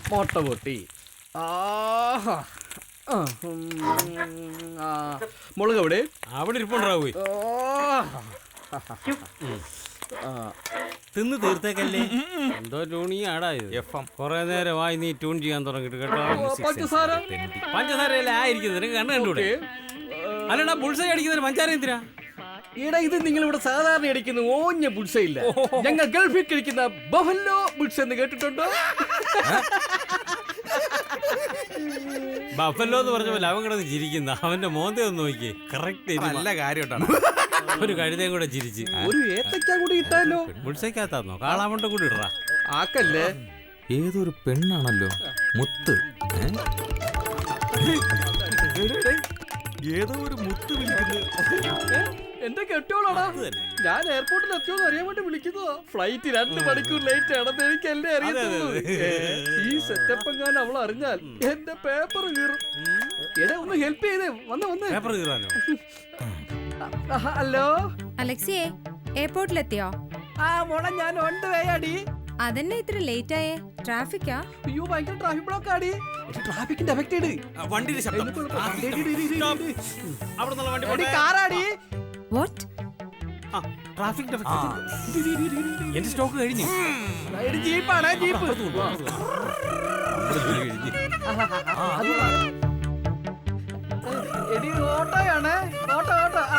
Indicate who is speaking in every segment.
Speaker 1: മുട്ട പൊട്ടി. മുളക് എവിടെ?
Speaker 2: അവിടെ ഇരിപ്പുണ്ടാവൂ. തിന്ന് തീർത്തേക്കല്ലേ. എന്തോ ട്യൂണി ആടായത്. കൊറേ നേരമായി നീ ട്യൂൺ ചെയ്യാൻ തുടങ്ങിട്ട് കേട്ടോ. പഞ്ചസാരയല്ലേ ആയിരിക്കുന്നത്, നിനക്ക് കണ്ണ് കണ്ടൂടെ? അല്ലടാ ബുൾസൈ അടിക്കുന്നതിന് പഞ്ചാര എന്തിനാ?
Speaker 1: ഈടാ ഇത് നിങ്ങൾ ഇവിടെ സാധാരണ അടിക്കുന്ന ഓഞ്ഞ ബുൾസ ഇല്ല, ഞങ്ങൾ ഗൾഫിൽ കഴിക്കുന്ന ബഫല്ലോ ബുൾസ എന്ന് കേട്ടിട്ടുണ്ടോ?
Speaker 2: ബഫല്ലോ എന്ന് പറഞ്ഞപ്പോൾ അവൻ കിടന്ന് ചിരിക്കുന്ന അവന്റെ മോന്തെ ഒന്ന് നോക്കിയേ. കറക്റ്റ്
Speaker 3: നല്ല കാര്യം.
Speaker 2: ഒരു കഴുതയും കൂടെ ചിരിച്ച്.
Speaker 1: ഒരു ഏത്തക്ക കൂടി ഇട്ടാലോ?
Speaker 2: ബുൾസൈക്കകത്താന്നോ? കാളാമണ്ട കൂടി ഇടറാ.
Speaker 1: ആക്കല്ലേ.
Speaker 3: ഏതൊരു പെണ്ണാണല്ലോ മുത്ത്. ഏതോ ഒരു മുത്ത് വിളിക്കുന്നു.
Speaker 1: എന്റെ കെട്ടോളാടാ. ഞാൻ എയർപോർട്ടിൽ എത്തിയോന്ന് അറിയാൻ വേണ്ടി വിളിക്കുന്നതാ. ഫ്ലൈറ്റ് 2 മണിക്കൂർ ലേറ്റ് ആണെന്ന് എനിക്കല്ലേ അറിയത്തുള്ളൂ. ഈ സെറ്റപ്പ് എങ്ങാനും അവൾ അറിഞ്ഞാൽ എന്റെ പേപ്പർ കീറും. എടാ ഒന്ന് ഹെൽപ്പ് ചെയ്തേ. വന്ന്
Speaker 2: പേപ്പർ കീറാനോ?
Speaker 1: ഹലോ
Speaker 4: അലക്സിയെ, എയർപോർട്ടിലെത്തിയോ?
Speaker 1: മോളെ ഞാൻ ഉണ്ട് വേയാടി.
Speaker 4: അതന്നെ ഇത്ര ലേറ്റ് ആയേ? ട്രാഫിക്കാ?
Speaker 1: അയ്യോ ഭയങ്കര ട്രാഫിക് ബ്ലോക്ക് ആടി. ട്രാഫിക്കിന്റെ എഫക്ട് ഇട്.
Speaker 3: വണ്ടിയുടെ ശബ്ദം.
Speaker 1: കാറാടി.
Speaker 4: വാട്ട്?
Speaker 2: ട്രാഫിക് എന്റെ സ്റ്റോക്ക് കഴിഞ്ഞു.
Speaker 1: ജീപ്പാണ് ജീപ്പ്. എടി ഓട്ടോയാണ്. ഓട്ടോ.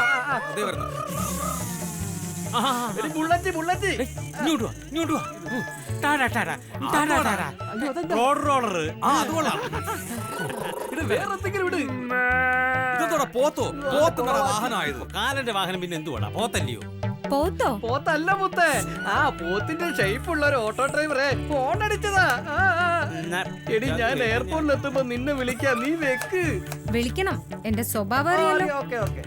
Speaker 1: ബുള്ളറ്റ്.
Speaker 2: ഇങ്ങോട്ട് വാ. റോളർ.
Speaker 3: ഇതെന്തോടാ പോത്തോ? പോത്തുള്ള വാഹനമായത്.
Speaker 2: കാലന്റെ വാഹനം പിന്നെ എന്തുവാടാ? പോത്തല്ലയോ?
Speaker 4: പോത്തോ?
Speaker 1: പോത്തല്ല മുത്തേ. പോത്തിന്റെ ഷേപ്പുള്ള ഒരു ഓട്ടോ ഡ്രൈവറെ ഫോൺ അടിച്ചതാ. എടി ഞാൻ എയർപോർട്ടിൽ എത്തുമ്പോ നിന്നെ വിളിക്കാം, നീ വെക്ക്.
Speaker 4: വിളിക്കണം, എന്റെ സ്വഭാവം അറിയാലോ.
Speaker 1: ഓക്കെ.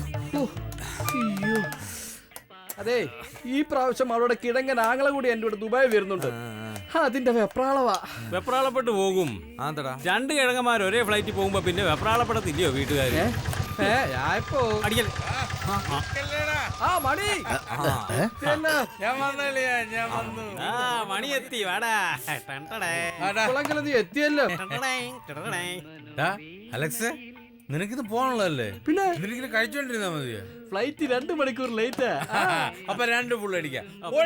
Speaker 1: അതെ, ഈ പ്രാവശ്യം അവളുടെ കിഴങ്ങൻ ആങ്ങളെ കൂടി എന്റെ കൂടെ ദുബായ് വരുന്നുണ്ട്. അതിന്റെ
Speaker 2: വെപ്രാളപ്പെട്ട് പോകും. 2 കിഴങ്ങന്മാർ ഒരേ ഫ്ലൈറ്റിൽ പോകുമ്പോ പിന്നെ വെപ്രാളപ്പെടത്തില്ലയോ വീട്ടുകാര്? മണി എത്തി. വാടാ
Speaker 1: എത്തിയല്ലോ.
Speaker 3: അലക്സ്, നിനക്കിത് പോണല്ലേ?
Speaker 1: പിന്നെ
Speaker 3: നിനക്കിത് കഴിച്ചോണ്ടിരുന്നാ മതിയോ?
Speaker 1: ഫ്ലൈറ്റ് 2 മണിക്കൂർ ലേറ്റാ.
Speaker 3: അപ്പൊ 2 ഫുൾ അടിക്കാം.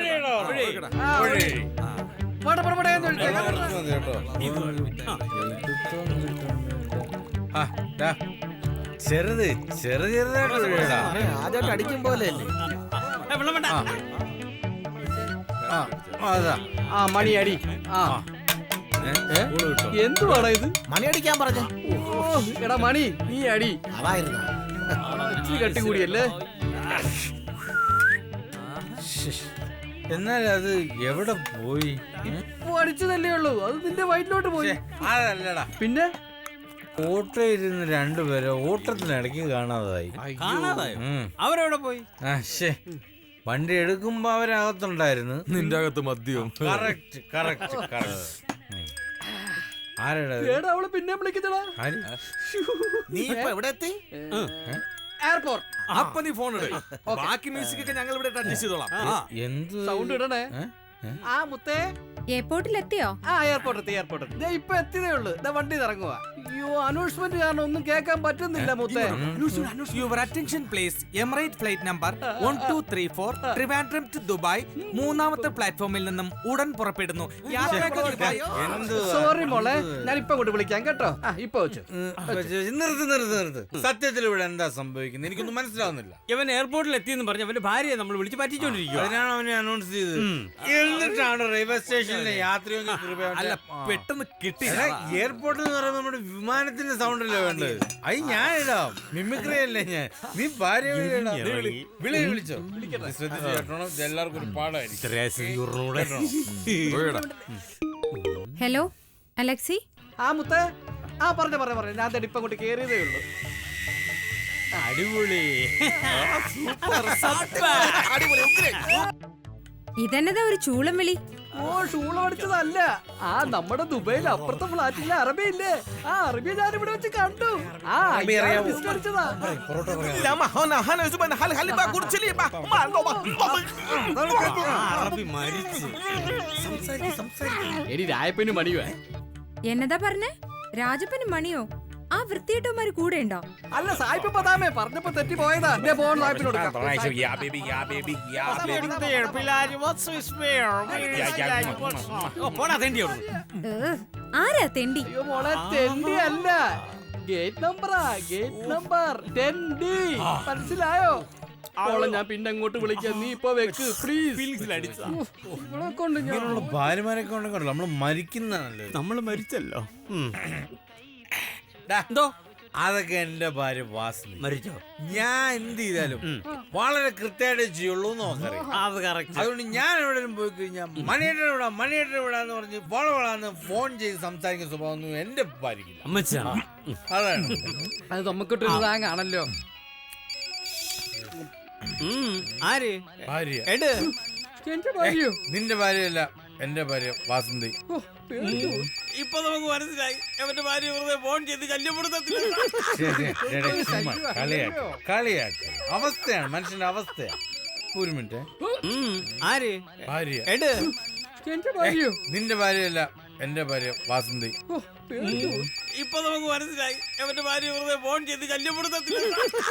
Speaker 3: ചെറുതായിട്ട് അടിക്കും പോലെ
Speaker 1: മണി അടി. എന്തുവാടാ ഇത്?
Speaker 5: മണി അടിക്കാൻ പറഞ്ഞു.
Speaker 1: എടാ മണി, നീ അടി.
Speaker 5: അതായിരുന്നു
Speaker 1: കട്ടിക്കൂടിയല്ലേ.
Speaker 3: എന്നാൽ അത് എവിടെ പോയി?
Speaker 1: അടിച്ചതല്ലേ ഉള്ളൂ, അത് നിന്റെ വയറ്റിലോട്ട് പോയി.
Speaker 3: അതല്ലടാ.
Speaker 1: പിന്നെ
Speaker 3: ഓട്ടോ ഇരുന്ന് 2 പേരെ ഓട്ടത്തിനിടയ്ക്ക് കാണാതായി.
Speaker 2: അവരെവിടെ പോയി?
Speaker 3: വണ്ടി എടുക്കുമ്പോ അവരകത്തുണ്ടായിരുന്നു.
Speaker 5: നിന്റെ അകത്ത് മദ്യവും.
Speaker 1: ആരാടാ അവള് പിന്നെ വിളിക്കുന്നടാ?
Speaker 5: നീ ഇപ്പൊ എവിടെ എത്തി?
Speaker 1: എയർപോർട്ട്.
Speaker 5: അപ്പൊ നീ ഫോൺ ഇട്. ബാക്കി മ്യൂസിക് ഒക്കെ ഞങ്ങൾ ഇവിടെ അഡ്ജസ്റ്റ് ചെയ്തോളാം.
Speaker 3: എന്ത്
Speaker 1: സൗണ്ട് ഇടണേ. മുത്തേ
Speaker 4: എയർപോർട്ടിലെത്തിയോ?
Speaker 1: എയർപോർട്ട് ഇപ്പൊ എത്തിയതേ ഉള്ളൂ. വണ്ടി ഇറങ്ങുക. അയ്യോ, അനൗൺസ്മെന്റ് കാരണം ഒന്നും കേൾക്കാൻ പറ്റുന്നില്ല മുത്തേ.
Speaker 6: Your attention please. Emirate flight number 1234 Trivandrum to Dubai 3ാമത്തെ പ്ലാറ്റ്ഫോമിൽ നിന്നും ഉടൻ പുറപ്പെടുന്നു.
Speaker 1: സോറി മോളെ, ഞാൻ ഇപ്പൊ അങ്ങോട്ട് വിളിക്കാം കേട്ടോ. ഇപ്പൊ വെച്ചു.
Speaker 3: നിർത്ത്. സത്യത്തിൽ ഇവിടെ എന്താ സംഭവിക്കുന്നത് എനിക്കൊന്നും മനസ്സിലാവുന്നില്ല.
Speaker 2: ഇവൻ എയർപോർട്ടിൽ എത്തിയെന്ന് പറഞ്ഞ അവന്റെ ഭാര്യയെ നമ്മൾ വിളിച്ച് പറ്റിച്ചോണ്ടിരിക്കും.
Speaker 3: അതിനാണ് അവനെ അനൗൺസ് ചെയ്തത്. എന്നിട്ടാണ് റെയിൽവേ സ്റ്റേഷനിലെ യാത്രയൊന്നും
Speaker 6: അല്ല, പെട്ടെന്ന് കിട്ടി.
Speaker 3: എയർപോർട്ടിൽ എന്ന് പറയുമ്പോൾ നമ്മുടെ വിമാനത്തിന്റെ സൗണ്ട് അല്ലേ വേണ്ടത്? അത് ഞാൻ ഇടാം, മിമിക്രി അല്ലേ ഞാൻ. നീ ഭാര്യ വിളിച്ചോ. ശ്രദ്ധിച്ചു കേട്ടോണം, എല്ലാവർക്കും ഒരു പാടായിരിക്കും.
Speaker 4: ഹലോ അലക്സി.
Speaker 1: മുത്തേ. പറഞ്ഞ ഞാൻ ഇപ്പൊ അങ്ങോട്ട് കേറിയതേ ഉള്ളൂ.
Speaker 2: അടിപൊളി.
Speaker 4: ഇതെന്നതാ ഒരു ചൂളം വിളി?
Speaker 1: ഷൂള പഠിച്ചതല്ല. നമ്മുടെ ദുബൈയിൽ അപ്പുറത്തെ ഫ്ലാറ്റിലെ അറബിയില്ലേ, അറബിയെ ഞാൻ ഇവിടെ വെച്ച് കണ്ടു. അടിച്ചതാ. എടി രായപ്പന് മണിയുവേ.
Speaker 4: എന്നതാ പറഞ്ഞേ? രാജപ്പന് മണിയോ? ആ വൃത്തിയേട്ടന്മാര് കൂടെ ഉണ്ടോ?
Speaker 1: അല്ല സായിപ്പ് പതാമേ പറഞ്ഞപ്പോ തെറ്റി പോയതാ. ദേ ഫോൺ സായിപ്പിനോട് കൊടുക്കാം.
Speaker 4: ആരാ തെണ്ടി?
Speaker 1: അയ്യോ മോളെ തെണ്ടി അല്ല, ഗേറ്റ് നമ്പറാ, ഗേറ്റ് നമ്പർ 10D. മനസ്സിലായോ? മോളെ ഞാൻ പിന്നെ അങ്ങോട്ട് വിളിക്കാം, നീ ഇപ്പൊ വെക്ക് പ്ലീസ്. ഇവളെ കൊണ്ട് ഞാൻ
Speaker 3: ഇങ്ങനെയുള്ള ഭാര്യമാരൊക്കെ ഉണ്ടെങ്കിൽ നമ്മള് മരിക്കുന്നതാണല്ലോ.
Speaker 2: നമ്മള് മരിച്ചല്ലോ.
Speaker 3: എന്തോ അതൊക്കെ എന്റെ ഭാര്യ വാസന
Speaker 2: മരിച്ചോ?
Speaker 3: ഞാൻ എന്ത് ചെയ്താലും വളരെ കൃത്യമായിട്ട് ചെയ്യുള്ളൂ എന്ന് നോക്കറിയാം.
Speaker 2: അത് കറക്റ്റ്.
Speaker 3: അതുകൊണ്ട് ഞാൻ എവിടെയും പോയി കഴിഞ്ഞാൽ മണിയേട്ടൻ വിടാന്ന് പറഞ്ഞ് വളവളാന്ന് ഫോൺ ചെയ്ത് സംസാരിക്കുന്ന സ്വഭാവം ഒന്നും എന്റെ ഭാര്യക്കില്ല.
Speaker 2: അമ്മച്ചാണ്.
Speaker 3: അതാണ്
Speaker 1: അത് നമുക്കിട്ടൊരു താങ്ങാണല്ലോ.
Speaker 2: ആര്?
Speaker 3: ഭാര്യ.
Speaker 2: എട്.
Speaker 1: എന്റെ ഭാര്യയോ?
Speaker 3: നിന്റെ ഭാര്യയല്ല, എന്റെ ഭാര്യ വാസന്തി.
Speaker 1: ഓ, പേടിച്ചു.
Speaker 2: ഇപ്പൊ നമുക്ക് മനസ്സിലായി അവന്റെ ഭാര്യ വെറുതെ ഫോൺ ചെയ്ത് ശല്യപ്പെടുത്തത്തില്ല.
Speaker 3: കളിയാക്ക അവസ്ഥയാണ്, മനുഷ്യന്റെ അവസ്ഥയാണ്. ഒരു മിനിറ്റ്.
Speaker 2: ആര്?
Speaker 3: ഭാര്യ.
Speaker 2: എട്.
Speaker 1: എന്റെ ഭാര്യയോ?
Speaker 3: നിന്റെ ഭാര്യയല്ല, എന്റെ ഭാര്യ വാസന്തി.
Speaker 1: ഓ, പേടിച്ചു.
Speaker 2: ഇപ്പൊ നമുക്ക് മനസ്സിലായി അവന്റെ ഭാര്യ വെറുതെ ഫോൺ ചെയ്ത് ശല്യപ്പെടുത്തത്തില്ല.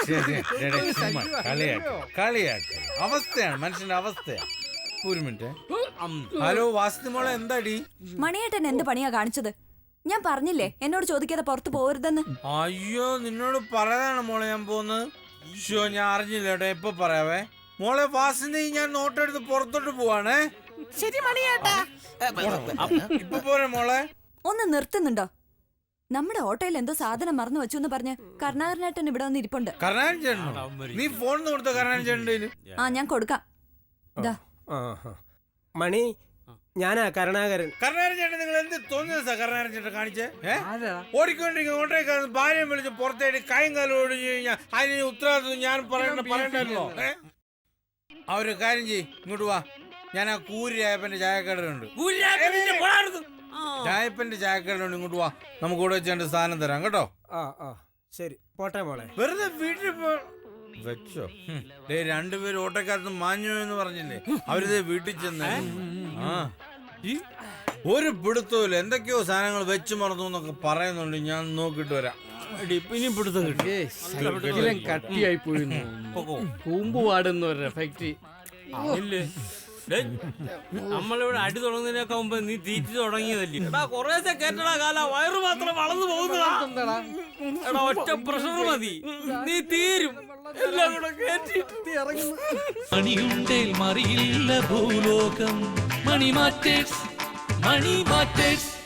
Speaker 3: കളിയാക്ക അവസ്ഥയാണ്, മനുഷ്യന്റെ അവസ്ഥയാണ്. ഒരു മിനിറ്റ്. ഹലോ വാസന്തി മോളെ, എന്താടി?
Speaker 7: മണിയേട്ടൻ എന്ത് പണിയാ കാണിച്ചത്? ഞാൻ പറഞ്ഞില്ലേ എന്നോട് ചോദിക്കാതെ പുറത്തു പോകരുതെന്ന്.
Speaker 3: അയ്യോ നിന്നോട് പറയാനാണ് മോളെ ഞാൻ പോകുന്നത്. ഷോ ഞാൻ അറിഞ്ഞില്ല കേട്ടോ, എപ്പൊ പറയാവേ. മോളെ വാസന്തി, ഞാൻ നോട്ടെടുത്ത് പുറത്തോട്ട് പോവാണേ.
Speaker 7: ശരി മണിയേട്ടാ.
Speaker 3: ഇപ്പൊ പോരെ മോളെ?
Speaker 7: ഒന്ന് നിർത്തുന്നുണ്ടോ? നമ്മുടെ ഓട്ടോയിൽ എന്തോ സാധനം മറന്നു വെച്ചു എന്ന് പറഞ്ഞ് കരുണാകരനേട്ടൻ ഇവിടെ വന്ന് ഇരിപ്പുണ്ട്.
Speaker 3: കരുണാകരൻ ചേട്ടനോ? നീ ഫോൺ കൊടുത്ത കരുണാകരൻ ചേട്ടൻ്റെ?
Speaker 7: ആ ഞാൻ കൊടുക്കാം. ദാ.
Speaker 8: മണി, ഞാനാ കരുണാകരൻ.
Speaker 3: കരുണാകരൻ ചേട്ടൻ നിങ്ങൾ എന്ത് തോന്നിയ കരുണാകരൻ ചേട്ടൻ കാണിച്ചേ?
Speaker 1: ആരാ?
Speaker 3: ഓടിക്കൊണ്ടിരിക്കുന്ന ഓട്ടോക്കാരൻ ഭാര്യയെ വിളിച്ച് പുറത്തേക്ക് കൈയും കാലും ഓടിച്ചു കഴിഞ്ഞാൽ അതിന് ഉത്തരവാദിത്വം ഞാൻ പറയണ്ടല്ലോ. അവര് കാര്യം ചെയ്യ്, ഇങ്ങോട്ട് വാ. ഞാൻ ആ കൂരി രായപ്പന്റെ ചായക്കടലുണ്ട്, രായപ്പന്റെ ചായക്കടലുണ്ട്, ഇങ്ങോട്ട് വാ. നമുക്ക് ഇവിടെ വെച്ച് സാധനം തരാം കേട്ടോ.
Speaker 8: ശരി, പോട്ടെ മോളെ.
Speaker 3: വെറുതെ വീട്ടിൽ വെച്ചോ. രണ്ടുപേരും ഓട്ടോക്കാരത്ത് മാഞ്ഞു എന്ന് പറഞ്ഞില്ലേ, അവരിത് വീട്ടിൽ ചെന്ന് ഒരു പിടുത്തവും എന്തൊക്കെയോ സാധനങ്ങൾ വെച്ച് മറന്നു എന്നൊക്കെ പറയുന്നുണ്ട്. ഞാൻ നോക്കിട്ട് വരാം.
Speaker 2: ഇനി പിടുത്തം കിട്ടി.
Speaker 1: ശരിക്കും കട്ടിയായി പോയിരുന്നു. കൂമ്പ് പാടുന്ന ഒരു എഫക്റ്റ്.
Speaker 2: നമ്മളിവിടെ അടി തുടങ്ങുന്നതിനൊക്കെ മുമ്പ് നീ തീറ്റി തുടങ്ങിയതല്ലേ? കൊറേശ്ശെ കേട്ടടാ കാല, വയറ് മാത്രം വളർന്നു പോകുന്നതാ. എടാ ഒറ്റ പ്രഷർ മതി, നീ തീരും. എല്ലാം കൂടെ കേട്ടിട്ട് ഇറങ്ങുന്നു.
Speaker 9: മണിയുണ്ടേൽ മറിയില്ല ഭൂലോകം. Money matters, money matters.